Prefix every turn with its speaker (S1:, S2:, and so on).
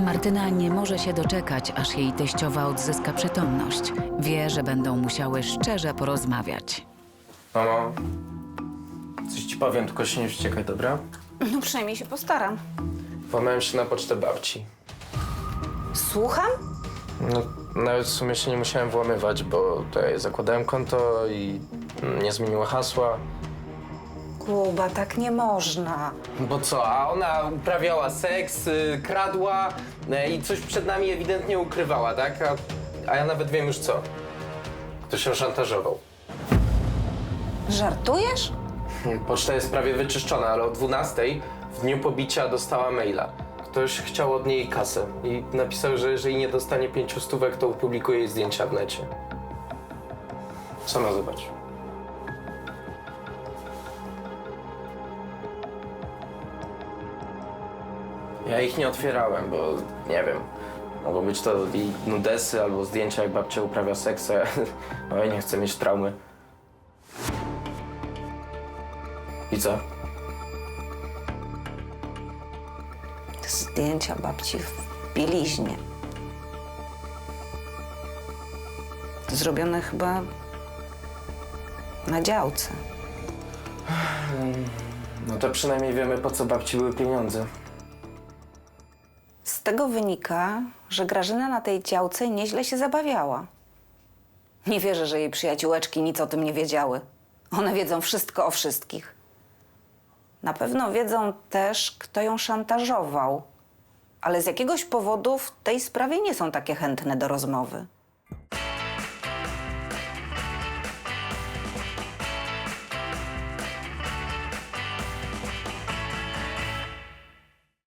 S1: Martyna nie może się doczekać, aż jej teściowa odzyska przytomność. Wie, że będą musiały szczerze porozmawiać.
S2: Mamo, coś ci powiem, tylko się nie wściekaj, dobra?
S3: No przynajmniej się postaram.
S2: Włamałem się na pocztę babci.
S3: Słucham?
S2: No, nawet w sumie się nie musiałem włamywać, bo tutaj zakładałem konto i nie zmieniła hasła.
S3: Kuba, tak nie można.
S2: Bo co, a ona uprawiała seks, kradła i coś przed nami ewidentnie ukrywała, tak? A ja nawet wiem już co. Ktoś ją szantażował.
S3: Żartujesz?
S2: Poczta jest prawie wyczyszczona, ale o 12:00 w dniu pobicia dostała maila. Ktoś chciał od niej kasę i napisał, że jeżeli nie dostanie 5 stówek, to opublikuje jej zdjęcia w necie. Sama zobacz. Ja ich nie otwierałem, bo nie wiem. Mogą być to jej nudesy albo zdjęcia, jak babcia uprawia seks, a ja oj, nie chcę mieć traumy. I co?
S3: Zdjęcia babci w bieliźnie. Zrobione chyba na działce.
S2: No to przynajmniej wiemy, po co babci były pieniądze.
S3: Z tego wynika, że Grażyna na tej działce nieźle się zabawiała. Nie wierzę, że jej przyjaciółeczki nic o tym nie wiedziały. One wiedzą wszystko o wszystkich. Na pewno wiedzą też, kto ją szantażował. Ale z jakiegoś powodu w tej sprawie nie są takie chętne do rozmowy.